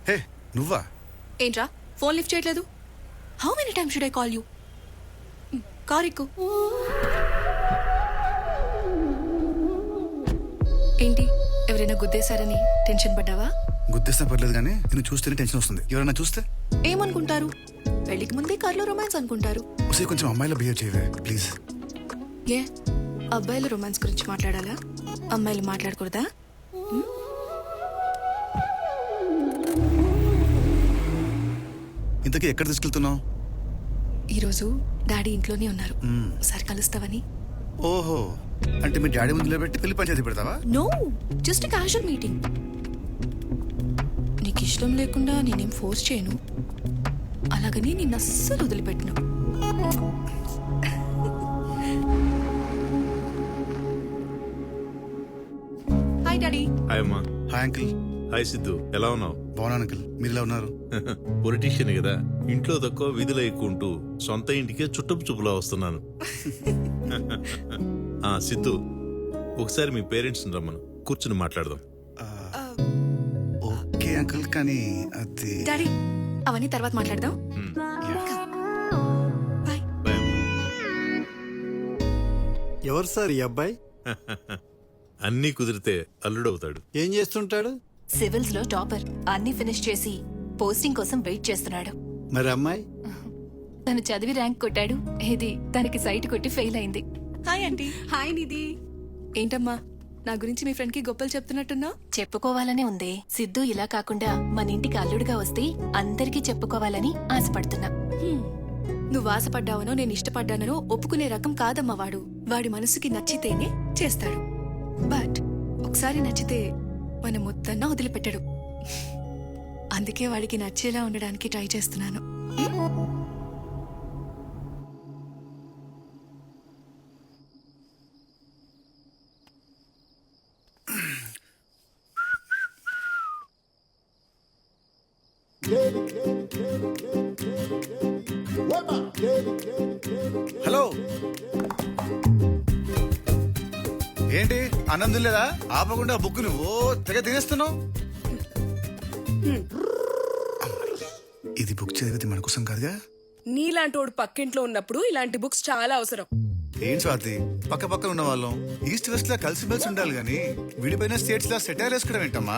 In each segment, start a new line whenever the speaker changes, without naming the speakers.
హే నువ్వా?
ఏంట్రా phone lift చేయట్లేదు? How many times should I call you? Car ఎక్కు. ఏంటి ఎవరైనా గుద్దేశారని టెన్షన్ పడ్డావా?
గుర్తిస్తే పర్లేదు కానీ నేను చూస్తేనే టెన్షన్ వస్తుంది. ఎవరైనా చూస్తే
ఏమనుకుంటారు? పెళ్లికి ముందే కార్లో రొమాన్స్ అనుకుంటారు.
ఒకసారి కొంచెం అమ్మాయిలా బిహేవ్ చేయవే ప్లీజ్.
ఏ అబ్బాయిల రొమాన్స్ గురించి మాట్లాడాలా? అమ్మాయిలు మాట్లాడకూడదా?
ఇంతకీ ఎక్కడ తీసుకెళ్తున్నావు?
ఈరోజు డాడీ ఇంట్లోనే ఉన్నారు, ఒకసారి కలుస్తావని.
ఓహో, అంటే మీ డాడీ ముందు నిలబెట్టి పెళ్లి పంచాయతీ పెడతావా?
No, just casual meeting. నీకు ఇష్టం లేకుండా నేనేం ఫోర్స్ చేయను, అలాగని నిన్ను అస్సలు వదిలిపెట్టను. Hi daddy.
హాయ్ అమ్మా.
Hi uncle.
హాయ్ సిద్ధు, ఎలా ఉన్నావు?
బాగున్నాను అంకిల్, మీరు ఎలా ఉన్నారు?
పొలిటీషియన్ కదా, ఇంట్లో తక్కువ విధులు ఎక్కువ ఉంటూ సొంత ఇంటికే చుట్టపు చూపులా వస్తున్నాను. సిద్ధు, ఒకసారి మీ పేరెంట్స్ రమ్మను, కూర్చుని మాట్లాడదాం.
ఓకే అంకిల్, కానీ అది
డాడీ అవన్నీ తర్వాత మాట్లాడదాం. బాయ్.
బాయ్.
ఎవరు సార్ ఈ అబ్బాయి?
అన్నీ కుదిరితే అల్లుడవుతాడు.
ఏం చేస్తుంటాడు?
సివిల్స్ లో టాపర్, అన్ని ఫినిష్ చేసి పోస్టింగ్ కోసం వెయిట్ చేస్తున్నాడు.
మరి అమ్మాయి?
తను చదివి ర్యాంక్ కొట్టాడు, ఇది తనకి సైట్ కొట్టి ఫెయిల్ అయింది.
Hi aunty. హాయ్ నిధి. ఏంటమ్మా నా గురించి మీ ఫ్రెండ్ కి గొప్పలు చెప్తున్నట్టున్నా?
చెప్పుకోవాలనే ఉంది. సిద్ధు ఇలా కాకుండా మన ఇంటికి అల్లుడుగా వస్తే అందరికీ చెప్పుకోవాలని ఆశపడుతున్నా.
నువ్వు ఆశపడ్డావనో నేను ఇష్టపడ్డానో ఒప్పుకునే రకం కాదమ్మా వాడు. వాడి మనసుకి నచ్చితేనే చేస్తాడు. బట్ ఒకసారి నచ్చితే మన మొత్తన్నా వదిలిపెట్టాడు. అందుకే వాడికి నచ్చేలా ఉండడానికి ట్రై చేస్తున్నాను.
హలో, ఏంటి ఆనందం లేదా? ఆపకుండా బుక్ నువ్వు తెగ తినేస్తున్నావు. ఇది బుక్ చదివితే మన కోసం కాదుగా.
నీలాంటోడు పక్కింట్లో ఉన్నప్పుడు ఇలాంటి బుక్స్ చాలా అవసరం.
ఏం స్వాతి, పక్క పక్కన ఉన్న వాళ్ళం ఈస్ట్ వెస్ట్ లా కలిసిమెలిసి ఉండాలి గాని విడిపోయిన స్టేట్స్ లా సెటైర్ వేసుకోవడం ఏంటమ్మా?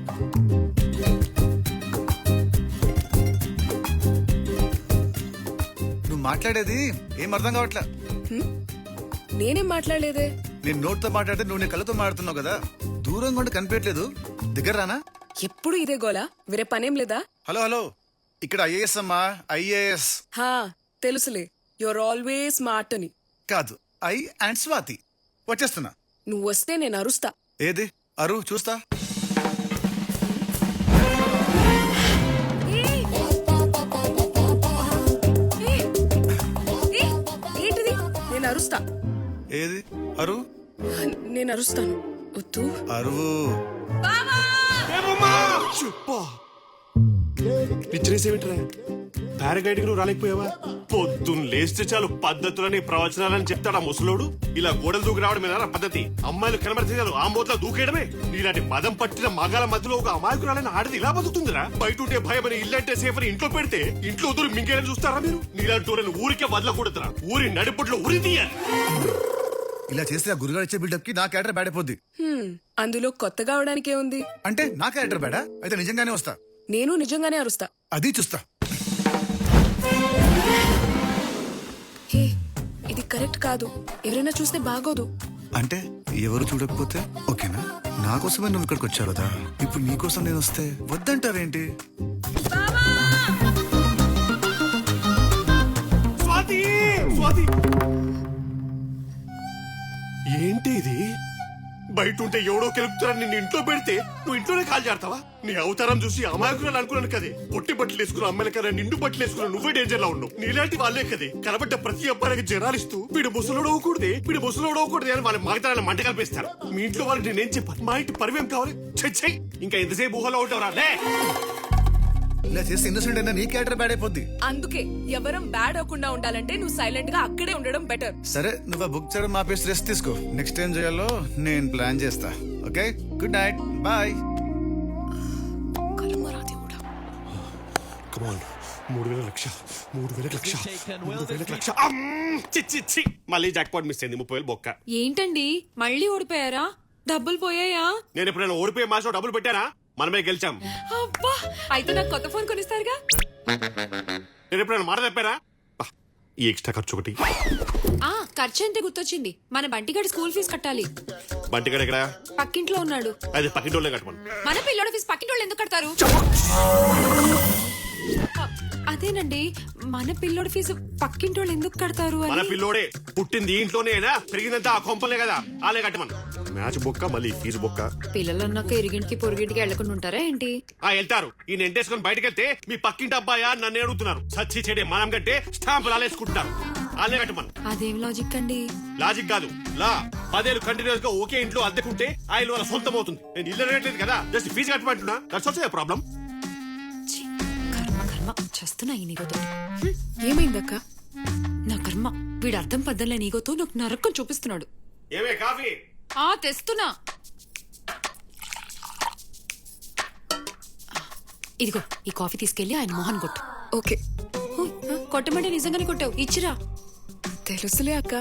నువ్వు మాట్లాడేది ఏం అర్థం కావట్లా.
నేనేం మాట్లాడలేదే.
నేను నోట్తో మాట్లాడితే నువ్వు నీ కళ్ళతో మాట్లాడుతున్నావు కదా. దూరంగా ఉండి కనిపించట్లేదు, దగ్గర రానా?
ఎప్పుడు ఇదే గోలా, వేరే పనేం లేదా?
హలో హలో, ఇక్కడ ఐఏఎస్ అమ్మా, ఐఏఎస్.
హా తెలుసులే, యువర్ ఆల్వేస్ స్మార్ట్ అని.
కాదు, ఐ అండ్ స్వాతి. వచ్చేస్తున్నా.
నువ్వు వస్తే నేను అరుస్తా.
ఏది అరు చూస్తా.
ఏంటిది? నేను అరుస్తా.
ఏది అరు?
నేను అరుస్తాను. వద్దు.
అరువు.
పిచ్చిరేసేమిట్రా? పారాగ్లైడింగ్ నువ్వు రాలేకపోయావా? పొద్దున్న లేస్తే చాలు పద్ధతులని ప్రవచనాలని చెప్తాడా ముసలోడు. ఇలా గోడలు దూకి రావడమేనా పద్ధతి? అమ్మాయిలు కనబడితే చాలు ఆ మూతలో దూకేయడమే. నీలాంటి మదం పట్టిన మగాల మధ్యలో ఒక అమాయకురాలని ఆడది ఇలా బతుకుతుందిరా? బయట ఉంటే భయం అని, ఇల్లంటే సేఫ్ అని ఇంట్లో పెడితే ఇంట్లో దూరం మింగేయని చూస్తారా మీరు? నీలాంటి ఊరిని ఊరికే వదలకూడదురా. ఊరి నడిపట్లో ఉరి తీయాలి.
ఇలా చేస్తే ఆ గురుగారు ఇచ్చే బిల్డప్ కి నా క్యారెక్టర్ బ్యాడ్ అయిపోద్ది.
అందులో కొత్తగా అవడానికే ఉంది.
అంటే నా క్యారెక్టర్ బ్యాడా? అయితే నిజంగానే వస్తా.
నేను నిజంగానే అరుస్తా.
అది చూస్తా.
హే, ఇది కరెక్ట్ కాదు. ఎవరైనా చూస్తే బాగోదు.
అంటే ఎవరు చూడకపోతే ఓకేనా? నా కోసమే నువ్వు ఇక్కడికి వచ్చావు కదా, ఇప్పుడు నీ కోసం నేను వస్తే వద్దంటావేంటి?
స్వాతి, స్వాతి, ఏంటి ఇది? బయట ఉంటే ఎవడో కెలుపుతారని నిన్ను ఇంట్లో పెడితే నువ్వు ఇంట్లోనే కాల్ చేస్తావా? నీ అవతారం చూసి అమాయకురాలు అనుకున్నాను కదే. పొట్టి బట్టలు వేసుకున్న అమ్మాయిల కన్నా నిండు బట్టలు వేసుకున్న నువ్వే డేంజర్ లో ఉన్నావు. నీలాంటి వాళ్ళే కదే కనబడ్డ ప్రతి అబ్బాయికి జనాలిస్తూ వీడు ముసలోడు అవ్వకూడదే, వీడు ముసలోడు అవ్వకూడదే అని వాళ్ళ మాగతారాలను మంట కల్పిస్తారు. మీ ఇంట్లో వాళ్ళకి నేనేం చెప్పాను? మా ఇంటి పరివేం కావాలి? చెయ్యి. ఇంకా ఎంతసేపు ఊహలో ఉంటావురా?
ఇలా చేస్తే ఇన్నోసెంట్ అయినా నీ క్యారెక్టర్ బ్యాడ్ అయిపోద్ది.
అందుకే ఎవరం బ్యాడ్ అవ్వకుండా ఉండాలంటే నువ్వు సైలెంట్ గా అక్కడే ఉండడం బెటర్.
సరే, నువ్వు బుక్ చేయడం ఆపేసి రెస్ట్ తీసుకో. నెక్స్ట్ టైం చేయాలో నేను ప్లాన్ చేస్తా. Okay, good night, bye.
కలమరాది కూడా
కమాన్ 3,000 లక్ష 3,000 లక్ష 3,000 లక్ష చి మళ్ళీ జాక్ పాట్ మిస్ అయింది 30,000 బొక్క.
ఏంటండి మళ్ళీ ఓడిపోయారా? డబ్బులు పోయాయా?
నేను ఎప్పుడైనా ఓడిపోయే మాసం డబ్బులు పెట్టానా? మనమే గెలిచాం.
అబ్బా, అయితే నాకు కొత్త ఫోన్ కొనిస్తారుగా?
నేను ఎప్పుడైనా మాట తప్పానా? ఈ ఎక్స్ట్రా ఖర్చు ఒకటి.
ఖర్చు అంటే గుర్తొచ్చింది, మన బంటిగాడి స్కూల్ ఫీజు కట్టాలి.
బంటిగాడు ఎక్కడ?
పక్కింట్లో ఉన్నాడు.
అది పక్కింటోళ్ళే కట్టమను.
మన పిల్లోడి ఫీజు పక్కింటోళ్ళు ఎందుకు కడతారు? అదేనండి, మన పిల్లోడి ఫీజు పక్కింటోళ్ళు ఎందుకు కడతారు
మన
అని.
పిల్లోడే పుట్టింది ఇంట్లోనేనా, పెరిగిందంతా ఆ కొంపలే కదా, ఆలే కట్టమను. మ్యాచ్ బొక్క మళ్ళీ ఫీజు బొక్క.
పిల్లలు అన్నాక ఇరిగింటికి పొరుగింటికి వెళ్లకుండా ఉంటారా ఏంటి?
వెళ్తారు. ఈయన ఎంటేసుకొని బయటకు వెళ్తే మీ పక్కింటి అబ్బాయా నన్ను అడుగుతున్నారు. సచ్చి చెడే మనం కంటే స్టాంపులు ఆలేసుకుంటున్నారు. ఆలే కట్టమను.
అదేం లాజిక్ అండి?
లాజిక్ కాదు, లా. 10 ఏళ్ళు కంటిన్యూస్ గా ఒకే ఇంట్లో అద్దెకుంటే ఆయన వాళ్ళ సొంతం అవుతుంది. నేను ఇల్లు రేట్లేదు కదా, జస్ట్ ఫీజు కట్టమంటున్నా. That's also problem.
ఛీ, కర్మ కర్మ చేస్తున్నా ఈ నీగోతో.
ఏమైందక్క?
నా కర్మ, వీడు అర్థం పద్దలే నీగోతో నాకు నరకం చూపిస్తున్నాడు.
ఏమే కాఫీ?
తెస్తున్నా. ఇదిగో ఈ కాఫీ తీసుకెళ్లి ఆయన మోహన్ కొట్టు.
ఓకే.
కొట్టమంటే నిజంగానే కొట్టావు, ఇచ్చిరా.
తెలుసులే అక్క.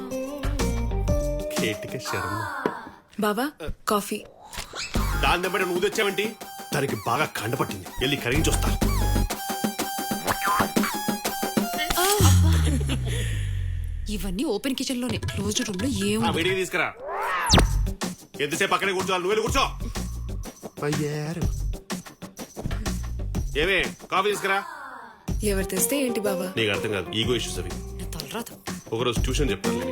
కేటిక శర్మ.
బావా కాఫీ.
దాని దెబ్బ నువ్వు తెచ్చావంటి? దానికి బాగా కండపట్టింది, వెళ్ళి కరిగించొస్తా.
ఇవన్నీ ఓపెన్ కిచెన్ లోనే, క్లోజ్డ్ రూమ్ లో ఏం
వేడికి తీసుకురా. ఎంతసేపు అక్కడే కూర్చోవాలి, నువ్వు వెళ్ళి కూర్చో. అయ్యారు. ఏమే కాఫీ తీసుకురా.
ఎవరు తెస్తే ఏంటి బావా?
నీకు అర్థం కాదు, ఈగో ఇష్యూస్ అవి.
నా తలరాదు.
ఒకరోజు ట్యూషన్ చెప్తాను.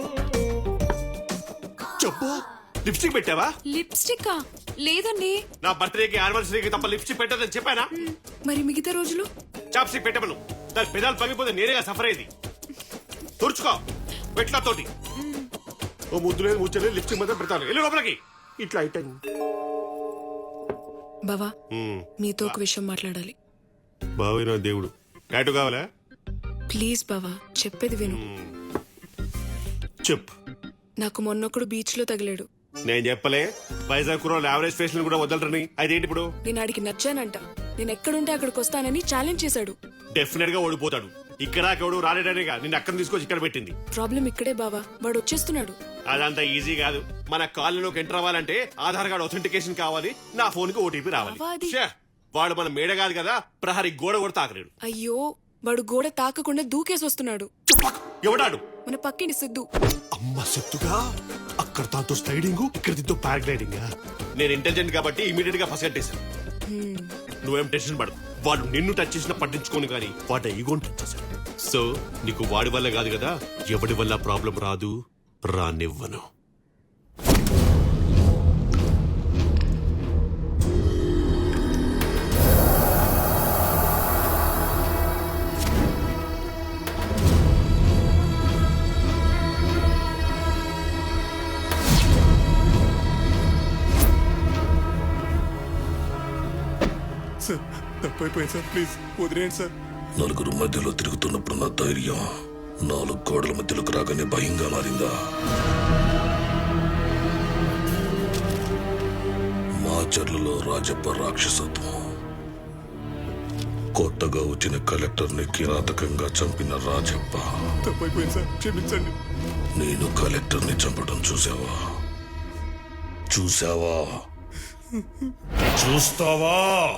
చెప్పు, లిప్స్టిక్ పెట్టావా?
లిప్స్టిక్ లేదండి.
నా బర్త్డేకి యానివర్సరీకి తప్ప లిప్స్టిక్ పెట్టదని చెప్పానా?
మరి మిగతా రోజులు?
చాప్స్టిక్ పెట్టమను. దాని పెదాలు పగిపోతే నేనేగా సఫర్ అయ్యేది. తుడుచుకో పెట్ల తోటి. ఓ ముద్దు లేదు ముచ్చలేదు, లిప్స్టిక్ మాత్రం పెడతాను. వెళ్ళి లోపలికి. ఇట్లా అయిపోయింది.
బావా మీతో ఒక విషయం మాట్లాడాలి.
బావే నా దేవుడు. టాటూ కావాలా?
ప్లీజ్ బావా, చెప్పేది విను.
చెప్పు.
నాకు మొన్నొకడు బీచ్ లో తగిలాడు.
నేను చెప్పలే వైజాగ్ కుర్రోళ్ళు యావరేజ్ ఫేస్ కూడా వదలరని? అదేంటి ఇప్పుడు?
నేను ఆడికి నచ్చానంట. నేను ఎక్కడుంటే అక్కడికి వస్తానని ఛాలెంజ్ చేశాడు.
డెఫినెట్ గా ఓడిపోతాడు. ఇక్కడ ఎవడు రాలేడనేగా నిన్ను అక్కడ తీసుకొచ్చి ఇక్కడ పెట్టింది.
ప్రాబ్లం ఇక్కడే బావా, వాడు వచ్చేస్తున్నాడు.
అదంతా ఈజీ కాదు. మన కాలనీలోకి ఎంటర్ అవ్వాలంటే ఆధార్ కార్డ్ అథెంటికేషన్ కావాలి, నా ఫోన్ కి ఓటీపీ రావాలి.
అవ్వది.
ఛే, వాడు మన మేడ కాదు కదా, ప్రహరీ గోడ కూడా తాకలేడు.
అయ్యో, వాడు గోడ తాకకుండా దూకేసి వస్తున్నాడు.
ఎవడాడు?
మన పక్కింటి సిద్ధు.
అమ్మ సెత్తుగా. అక్కడ తాతో స్లైడింగ్, ఇక్కడ దీంతో పారాగ్లైడింగ్. నేను ఇంటెలిజెంట్ కాబట్టి ఇమీడియట్ గా ఫస్ట్ నువ్వేం టెన్షన్ పడదు. వాడు నిన్ను టచ్ చేసినా పట్టించుకోను కానీ వాడు ఈగోని టచ్ చేశాడు. సో నీకు వాడి వల్ల కాదు కదా, ఎవడి వల్ల ప్రాబ్లం రాదు, రానివ్వను.
సార్ తప్పైపోయింది సార్, ప్లీజ్ వదిలేయండి సార్.
నలుగురు మధ్యలో తిరుగుతున్నప్పుడు నా ధైర్యం 4 గోడల మధ్యలోకి రాగానే భయంగా మారిందా? మాచర్లలో రాజప్ప రాక్షసత్వం, కొత్తగా వచ్చిన కలెక్టర్ని కిరాతకంగా చంపిన రాజప్ప.
తప్పైపోయింది సార్, క్షమించండి.
నేను కలెక్టర్ని చంపడం చూసావా? చూస్తావా?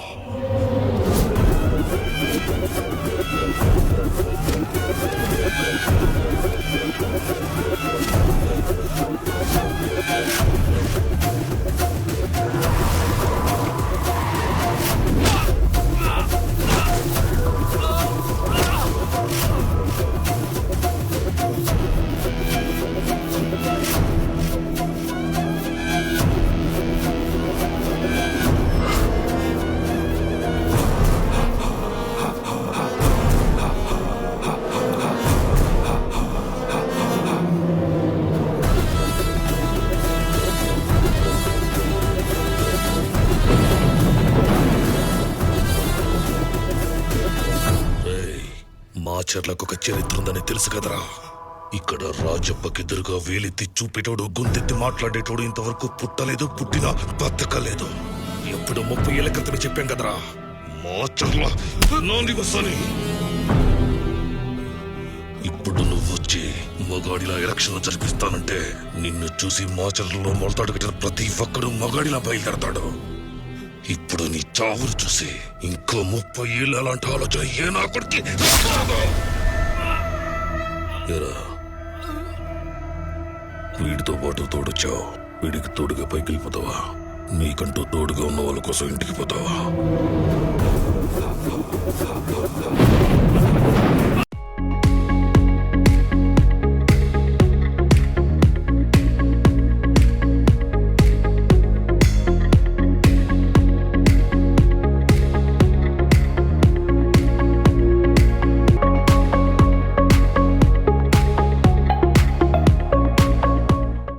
మాచర్లకు ఒక చరిత్ర ఉందని తెలుసు కదరా. ఇక్కడ రాజప్పకెదురుగా వేలెత్తి చూపేటోడు, గొంతెత్తి మాట్లాడేటోడు ఇంతవరకు పుట్టలేదు, పుట్టినా బతకలేదు. ఎప్పుడు 30 ఏళ్ల క్రితమే చెప్పాం కదరా, మాచర్ల నా నివసాన్ని. ఇప్పుడు నువ్వు వచ్చి మగాడిలా ఎలక్షన్లు జరిపిస్తానంటే నిన్ను చూసి మాచర్లలో మొలతాడు కట్టిన ప్రతి ఒక్కడు మగాడిలా బయలుదేరతాడు. ఇప్పుడు నీ చావును చూసి ఇంకో 30 ఏళ్ళు అలాంటి ఆలోచన ఏ నా కొడుకు వీడితో పాటు తోడొచ్చావు, వీడికి తోడుగా పైకి వెళ్ళిపోతావా? నీకంటూ తోడుగా ఉన్న వాళ్ళ కోసం ఇంటికి పోతావా?